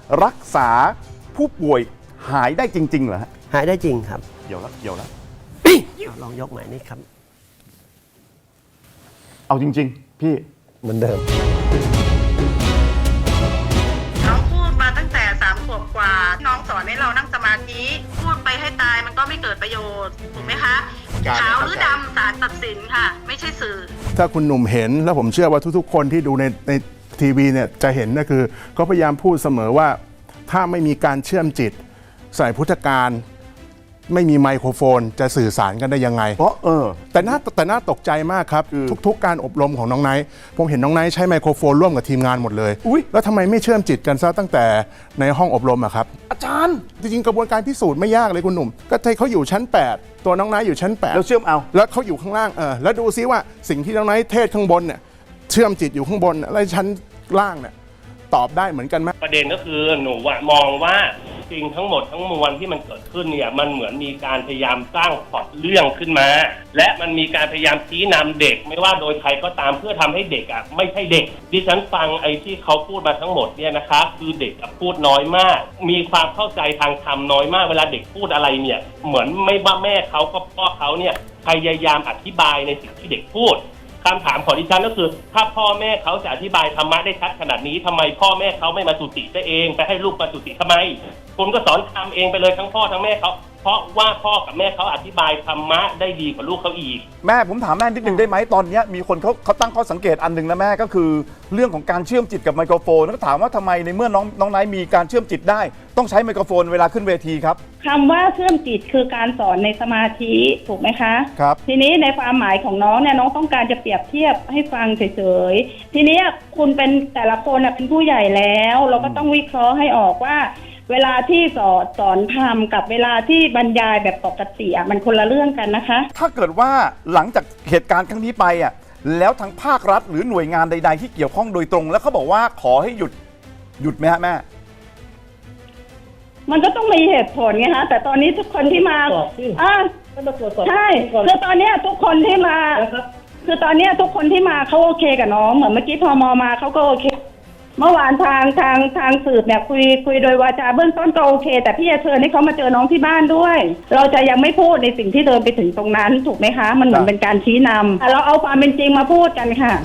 รักษาผู้ป่วยหายได้จริงๆเหรอฮะหายได้จริงครับเดี๋ยวละลองยกใหม่นี่ครับเอาจริงๆพี่เหมือนเดิมน้องพูดมาตั้งแต่3 ขวบกว่าน้องสอนให้เรานั่งสมาธิพูดไปให้ตายมันก็ไม่เกิดประโยชน์ถูกไหมคะขาวหรือดำศาลตัดสินค่ะ ไม่ใช่สื่อถ้าคุณหนุ่มเห็นแล้วผมเชื่อว่าทุกๆ คนที่ดูในทีวีเนี่ยจะเห็นก็คือเขาพยายามพูดเสมอว่าถ้าไม่มีการเชื่อมจิตใส่พุทธการไม่มีไมโครโฟนจะสื่อสารกันได้ยังไงเพราะแต่น่าตกใจมากครับ ทุกๆ การอบรมของน้องไนท์ผมเห็นน้องไนท์ใช้ไมโครโฟนร่วมกับทีมงานหมดเลยอุ๊ยแล้วทำไมไม่เชื่อมจิตกันซะตั้งแต่ในห้องอบรมอะครับอาจารย์จริงๆกระบวนการพิสูจน์ไม่ยากเลยคุณหนุ่มก็ให้เขาอยู่ชั้น 8 ตัวน้องไนท์อยู่ชั้น 8 แล้วเชื่อมเอาแล้วเขาอยู่ข้างล่างแล้วดูซิว่าสิ่งที่น้องไนท์เทศข้างบนเนี่ยเชื่อมจิตอยู่ข้างบนแล้วชั้นล่างเนี่ยตอบได้เหมือนกันไหมประเด็นก็คือหนูมองว่าสิ่งทั้งหมดทั้งมวลที่มันเกิดขึ้นเนี่ยมันเหมือนมีการพยายามสร้างพล็อตเรื่องขึ้นมา และมันมีการพยายามชี้นำเด็กไม่ว่าโดยใครก็ตามเพื่อทำให้เด็กอ่ะไม่ใช่เด็กดิฉันฟังไอ้ที่เขาพูดมาทั้งหมดเนี่ยนะคะคือเด็กพูดน้อยมาก มีความเข้าใจทางธรรมน้อยมากเวลาเด็กพูดอะไรเนี่ยเหมือนไม่ว่าแม่เขาก็พ่อเขาเนี่ยพยายามอธิบายในสิ่งที่เด็กพูดคำถามของดิฉันก็คือถ้าพ่อแม่เขาจะอธิบายธรรมะได้ชัดขนาดนี้ทำไมพ่อแม่เขาไม่มาจุติซะเองไปให้ลูกมาจุติทำไมคุณก็สอนทำเองไปเลยทั้งพ่อทั้งแม่เขาเพราะว่าพ่อกับแม่เขาอธิบายธรรมะได้ดีกว่าลูกเขาอีกแม่ผมถามแม่นิดนึงได้ไหมตอนเนี้ยมีคนเขาตั้งข้อสังเกตอันหนึ่งนะแม่ก็คือเรื่องของการเชื่อมจิตกับไมโครโฟนแล้วก็ถามว่าทำไมในเมื่อน้องไนท์มีการเชื่อมจิตได้ต้องใช้ไมโครโฟนเวลาขึ้นเวทีครับคำว่าเชื่อมจิตคือการสอนในสมาธิถูกไหมคะครับทีนี้ในความหมายของน้องเนี่ยน้องต้องการจะเปรียบเทียบให้ฟังเฉยๆทีนี้คุณเป็นแต่ละคนเป็นผู้ใหญ่แล้ว เราก็ต้องวิเคราะห์ให้ออกว่า เวลาที่สอนธรรมกับเวลาที่บรรยายแบบปกติมันคนละเรื่องกันนะคะถ้าเกิดว่าหลังจากเหตุการณ์ครั้งนี้ไปแล้วทางภาครัฐหรือหน่วยงานใดๆที่เกี่ยวข้องโดยตรง แล้วเขาบอกว่าขอให้หยุดไหมฮะแม่มันก็ต้องมีเหตุผลไงฮะแต่ตอนนี้ทุกคนที่มาใช่คือตอนเนี้ยทุกคนที่มาคือตอนเนี้ยทุกคนที่มาเขาโอเคกับน้องเหมือนเมื่อกี้พมมาเขาก็โอเคเมื่อวานทางสืบเนี่ยคุยโดยวาจาเบื้องต้นก็โอเค แต่พี่จะเชิญให้เขามาเจอน้องที่บ้านด้วย เราจะยังไม่พูดในสิ่งที่เดินไปถึงตรงนั้นถูกไหมคะมันเหมือนเป็นการชี้นำแต่เราเอาความเป็นจริงมาพูดกันค่ะ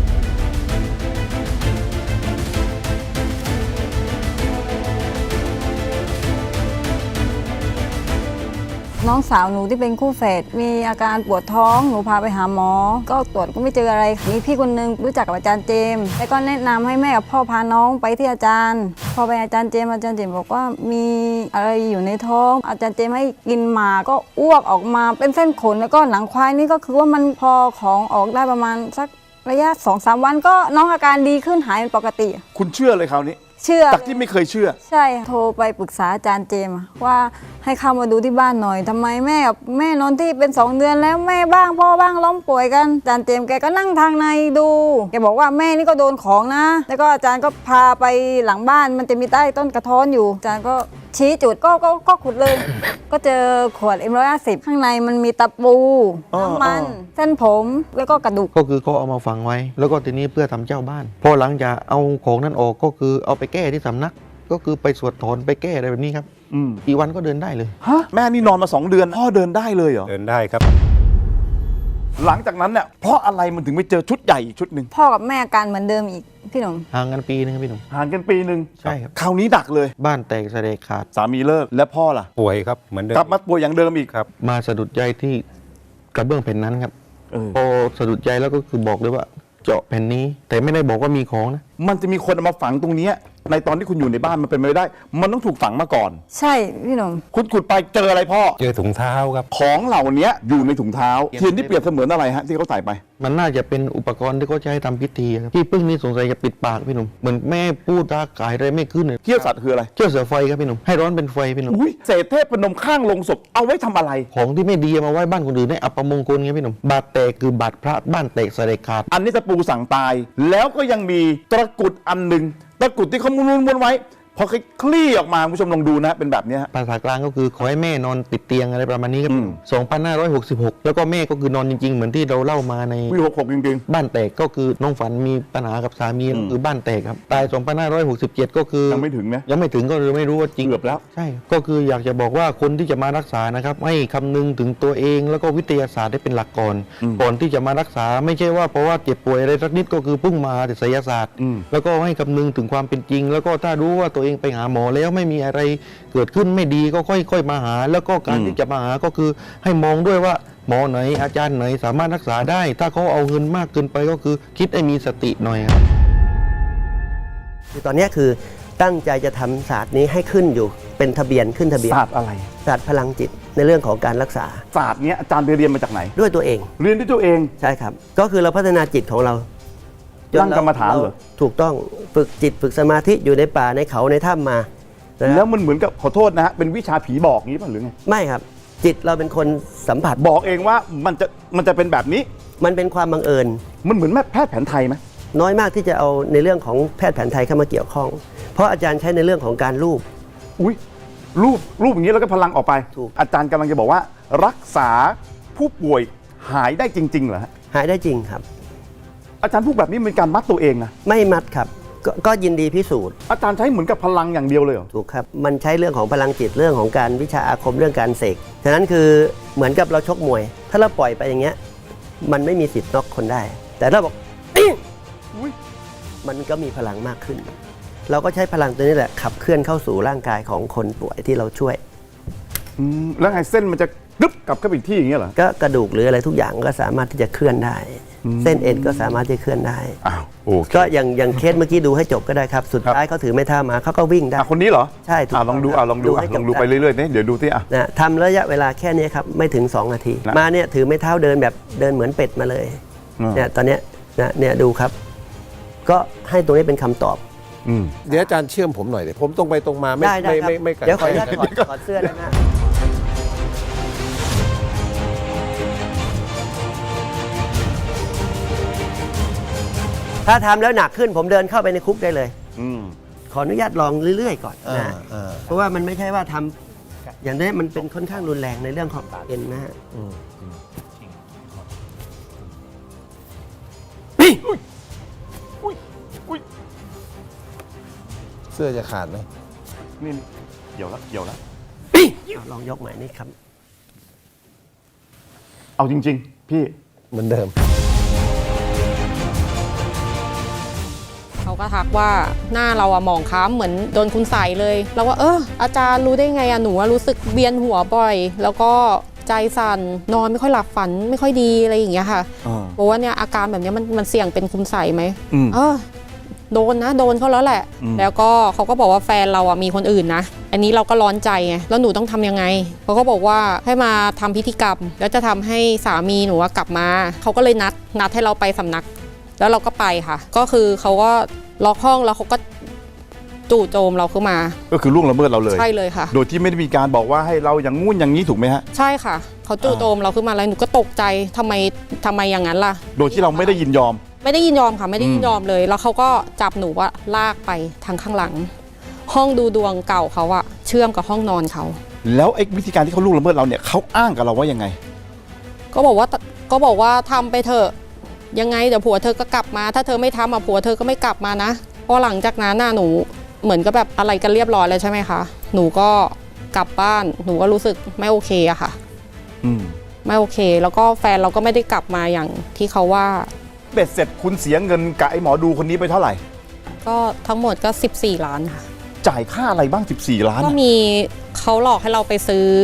น้องสาวหนูที่เป็นคู่แฝดมีอาการปวดท้องหนูพาไปหาหมอก็ตรวจก็ไม่เจออะไรมีพี่คนนึงรู้จักกับอาจารย์เจมส์แล้วก็แนะนำให้แม่กับพ่อพาน้องไปที่อาจารย์พอไปอาจารย์เจมส์บอกว่ามีอะไรอยู่ในท้องอาจารย์เจมส์ให้กินหมากก็อ้วกออกมาเป็นเส้นขนแล้วก็หนังควายนี่ก็คือว่ามันพอของออกได้ประมาณสักระยะ 2-3 วันก็น้องอาการดีขึ้นหายเป็นปกติคุณเชื่อเลยคราวนี้เชื่อจากที่ไม่เคยเชื่อใช่โทรไปปรึกษาอาจารย์เจมส์ว่าให้เข้ามาดูที่บ้านหน่อยทำไมแม่กับแม่นอนที่เป็น2 เดือนแล้วแม่บ้างพ่อบ้างล้มป่วยกันอาจารย์เจมส์แกก็นั่งทางในดูแกบอกว่าแม่นี่ก็โดนของนะแล้วก็อาจารย์ก็พาไปหลังบ้านมันจะมีใต้ต้นกระท้อนอยู่อาจารย์ก็ชี้จุดก็ขุดเลย ก็เจอขวด M150 ข้างในมันมีตะปูน้ำมันเส้นผมแล้วก็กระดูกก็คือเขาเอามาฝังไว้ แล้วก็ทีนี้เพื่อทำเจ้าบ้านพอหลังจากเอาของนั้นออกก็คือเอาไปแก้ที่สำนัก ก็คือไปสวดถอนไปแก้อะไรแบบนี้ครับอีกวันก็เดินได้เลยฮะแม่นี่นอนมา2 เดือนพ่อเดินได้เลยเหรอเดินได้ครับหลังจากนั้นเนี่ยเพราะอะไรมันถึงไปเจอชุดใหญ่อีกชุดหนึ่งพ่อกับแม่อาการเหมือนเดิมอีกพี่หนุ่มห่างกันปีนึงครับพี่หนุ่มห่างกันปีหนึ่งใช่ครับคราวนี้หนักเลยบ้านแตกสะเดกขาดสามีเลิกและพ่อล่ะป่วยครับเหมือนเดิมกลับมาป่วยอย่างเดิมอีกครับมาสะดุดใจที่กระเบื้องแผ่นนั้นครับพอสะดุดใจแล้วก็คือบอกเลยว่าเจาะแผ่นนี้ แต่ไม่ได้บอกว่ามีของนะมันจะมีคนเอามาฝังตรงเนี้ยในตอนที่คุณอยู่ในบ้านมันเป็นไปไม่ได้ มันต้องถูกฝังมาก่อนใช่พี่หนุ่มคุณขุดไปเจออะไรพ่อเจอถุงเท้าครับของเหล่านี้อยู่ในถุงเท้าเทียนที่เปรียบเสมือนอะไรฮะที่เขาใส่ไปมันน่าจะเป็นอุปกรณ์ที่เขาใช้ทำพิธีครับพี่พึ่งนี่สงสัยจะปิดปากพี่หนุ่มเหมือนแม่พูดตากายอะไรไม่ขึ้นเลยเขี้ยวสัตว์คืออะไรเชื่อเสือไฟครับพี่หนุ่มให้ร้อนเป็นไฟพี่หนุ่มอุ้ยเศษเทพนมข้างลงศพเอาไว้ทำอะไรของที่ไม่ดีเอามาไว้บ้านคนอื่นให้อัปมงคลไงพี่หนุ่มบาดแตกคือบาดพระบ้านแตกสะเดกขาดอันนี้ตะปูสั่งตาย แล้วก็ยังมีตะกรุดอันหนึ่งตะกรุดที่เขาม้วนๆไว้พอคลี่ออกมาคุณผู้ชมลองดูนะเป็นแบบเนี้ยฮะภาษากลางก็คือขอให้แม่นอนติดเตียงอะไรประมาณนี้ครับ 2566 แล้วก็แม่ก็คือนอนจริงๆ เหมือนที่เราเล่ามาในปี66จริงบ้านแตกก็คือน้องฝันมีปัญหากับสามีก็คือบ้านแตกครับตาย 2567 ก็คือๆยังไม่ถึงนะยังไม่ถึงก็เลยไม่รู้ว่าจริงเกือบแล้วใช่ก็คืออยากจะบอกว่าคนที่จะมารักษานะครับให้คำนึงถึงตัวเองแล้วก็วิทยาศาสตร์ได้เป็นหลักก่อน ก่อนที่จะมารักษาไม่ใช่ว่าเพราะว่าเจ็บป่วยอะไรสักนิดก็คือพุ่งมาแต่ไสยศาสตร์ แล้วก็ให้คำนึงถึงความเป็นจริง แล้วก็ถ้ารู้ว่าตัวเองไปหาหมอแล้วไม่มีอะไรเกิดขึ้นไม่ดีก็ค่อยๆมาหา แล้วก็การที่จะมาหาก็คือให้มองด้วยว่าหมอไหนอาจารย์ไหนสามารถรักษาได้ ถ้าเขาเอาเงินมากเกินไปก็คือคิดให้มีสติหน่อยครับคือตอนเนี้ยคือตั้งใจจะทำศาสตร์นี้ให้ขึ้นอยู่เป็นทะเบียนขึ้นทะเบียนศาสตร์อะไรศาสตร์พลังจิตในเรื่องของการรักษาศาสตร์เนี้ยอาจารย์ไปเรียนมาจากไหนด้วยตัวเองเรียนด้วยตัวเองใช่ครับ ก็คือเราพัฒนาจิตของเราจนั่งกรรมฐานเหรอถูกต้องฝึกจิตฝึกสมาธิอยู่ในป่าในเขาในถ้ำมานะแล้วมันเหมือนกับขอโทษนะฮะเป็นวิชาผีบอกงี้ป่ะหรือไงไม่ครับ จิตเราเป็นคนสัมผัสบอกเองว่ามันจะเป็นแบบนี้มันเป็นความบังเอิญมันเหมือนแพทย์แผนไทยไหมน้อยมากที่จะเอาในเรื่องของแพทย์แผนไทยเข้ามาเกี่ยวข้อง เพราะอาจารย์ใช้ในเรื่องของการรูปอุ้ยรูปอย่างนี้แล้วก็พลังออกไปถูกอาจารย์กำลังจะบอกว่า รักษาผู้ป่วยหายได้จริงๆเหรอฮะหายได้จริงครับอาจารย์พูดแบบนี้เป็นการมัดตัวเองนะไม่มัดครับก็ยินดีพิสูจน์อาจารย์ใช้เหมือนกับพลังอย่างเดียวเลยเหรอถูกครับ มันใช้เรื่องของพลังจิตเรื่องของการวิชาอาคมเรื่องการเสกฉะนั้นคือเหมือนกับเราชกมวย ถ้าเราปล่อยไปอย่างเงี้ยมันไม่มีสิทธิ์น็อกคนได้ แต่ถ้าบอกอิ๊งอุ๊ยมันก็มีพลังมากขึ้น เราก็ใช้พลังตัวนี้แหละขับเคลื่อนเข้าสู่ร่างกายของคนป่วยที่เราช่วยแล้วไงเส้นมันจะกึ๊บกลับเข้าไปอีกที่อย่างเงี้ยเหรอก็กระดูกหรืออะไรทุกอย่างก็สามารถที่จะเคลื่อนได้ เส้นเอ็นก็สามารถที่จะเคลื่อนได้อ้าวโอเคก็อย่างเคสเมื่อกี้ดูให้จบก็ได้ครับ สุดท้ายเขาถือไม้เท้ามาเขาก็วิ่งได้คนนี้เหรอใช่ถูกลองดูครับลองดูให้จบลองดูไปเรื่อยๆเนี่ยเดี๋ยวดูที่อ่ะนะทำระยะเวลาแค่นี้ครับไม่ถึง 2 นาทีนะมาเนี่ยถือไม้เท้าเดินแบบเดินเหมือนเป็ดมาเลย เนี่ยตอนเนี้ยนะเนี่ยดูครับ ก็ให้ตรงนี้เป็นคำตอบเดี๋ยวอาจารย์เชื่อมผมหน่อยเดี๋ยวผมตรงไปตรงมาไม่ได้ครับไม่กัดเดี๋ยวขออนุญาตก้ถอดเสื้อนะฮะถ้าทำแล้วหนักขึ้นผมเดินเข้าไปในคุกได้เลย ขออนุญาตลองเรื่อยๆก่อนนะเพราะว่ามันไม่ใช่ว่าทำอย่างนี้มันเป็นค่อนข้างรุนแรงในเรื่องของเอ็นนะฮะเสื้อจะขาดไหมนี่เกี่ยวแล้วลองยกใหม่นี่ครับเอาจริง ๆ พี่เหมือนเดิมเขาก็ทักว่าหน้าเราอะหมองคล้ำเหมือนโดนคุณใส่เลยเราว่าอาจารย์รู้ได้ไงอะหนูรู้สึกเวียนหัวบ่อย แล้วก็ใจสั่นนอนไม่ค่อยหลับฝันไม่ค่อยดีอะไรอย่างเงี้ยค่ะบอกว่าเนี่ยอาการแบบนี้มันเสี่ยงเป็นคุณใส่ไหมโดนเขาแล้วแหละ แล้วก็เขาก็บอกว่าแฟนเราอะมีคนอื่นนะอันนี้เราก็ร้อนใจไงแล้วหนูต้องทำยังไงเขาก็บอกว่าให้มาทำพิธีกรรมแล้วจะทำให้สามีหนูกลับมาเขาก็เลยนัดให้เราไปสำนักแล้วเราก็ไปค่ะก็คือเขาก็ล็อกห้องแล้วเขาก็จู่โจมเราขึ้นมาก็คือล่วงละเมิดเราเลยใช่เลยค่ะโดยที่ไม่ได้มีการบอกว่าให้เราอย่างงู้นอย่างนี้ถูกไหมฮะใช่ค่ะเขาจู่โจมเราขึ้นมาแล้วหนูก็ตกใจทำไมอย่างนั้นล่ะโดยที่เราไม่ได้ยินยอมไม่ได้ยินยอมค่ะไม่ได้ยินยอมเลยแล้วเขาก็จับหนูว่าลากไปทางข้างหลังห้องดูดวงเก่าเขาอะเชื่อมกับห้องนอนเขาแล้วไอ้วิธีการที่เขาล่วงละเมิดเราเนี่ยเขาอ้างกับเราว่ายังไงก็บอกว่าทำไปเถอะยังไงเดี๋ยวผัวเธอก็กลับมาถ้าเธอไม่ทำผัวเธอก็ไม่กลับมานะเพราะหลังจากนั้นหนูเหมือนกับแบบอะไรกันเรียบร้อยแล้วใช่ไหมคะหนูก็กลับบ้านหนูก็รู้สึกไม่โอเคอะค่ะไม่โอเคแล้วก็แฟนเราก็ไม่ได้กลับมาอย่างที่เขาว่าเบ็ดเสร็จคุณเสียเงินกับไอ้หมอดูคนนี้ไปเท่าไหร่ก็ทั้งหมดก็14 ล้านค่ะจ่ายค่าอะไรบ้าง14 ล้านก็มีเขาหลอกให้เราไปซื้อ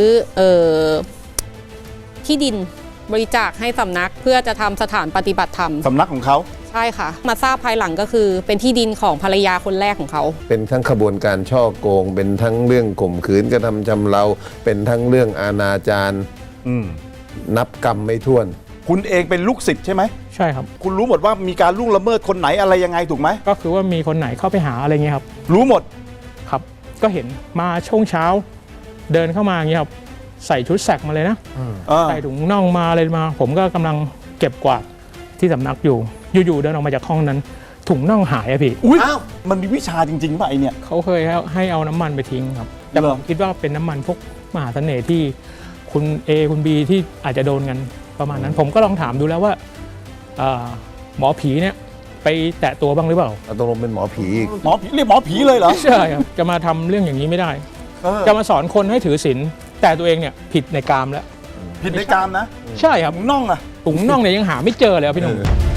ที่ดินบริจาคให้สำนักเพื่อจะทำสถานปฏิบัติธรรมสำนักของเขาใช่ค่ะมาทราบภายหลังก็คือเป็นที่ดินของภรรยาคนแรกของเขาเป็นทั้งขบวนการช่อโกงเป็นทั้งเรื่องข่มขืนกระทำชำเราเป็นทั้งเรื่องอาณาจารนับกรรมไม่ถ้วนคุณเองเป็นลูกศิษย์ใช่ไหมใช่ครับคุณรู้หมดว่ามีการล่วงละเมิดคนไหนอะไรยังไงถูกไหมก็คือว่ามีคนไหนเข้าไปหาอะไรเงี้ยครับรู้หมดครับก็เห็นมาช่วงเช้าเดินเข้ามาอย่างเงี้ยครับใส่ชุดแสกมาเลยนะใส่ถุงน่องมาอะไรมาผมก็กำลังเก็บกวาดที่สำนักอยู่เดินออกมาจากห้องนั้นถุงน่องหายอะพี่อุ้ยมันมีวิชาจริงๆป่ะไอเนี่ยเขาเคยให้เอาน้ำมันไปทิ้งครับแต่เหรผอมคิดว่าเป็นน้ำมันพวกมหาเสน่ห์ที่คุณ A คุณ B ที่อาจจะโดนกันประมาณนั้น ผมก็ลองถามดูแล้วว่าหมอผีเนี่ยไปแตะตัวบ้างหรือเปล่าตกลงเป็นหมอผีอีกหมอผีเรียกหมอผีเลยเหรอใช่ครับจะมาทำเรื่องอย่างนี้ไม่ได้ จะมาสอนคนให้ถือศีลแต่ตัวเองเนี่ยผิดในกามแล้วผิดในกามนะใช่ครับถุงน่องอะถุงน่องเนี่ยยังหาไม่เจอเลยครับพี่หนุ่ม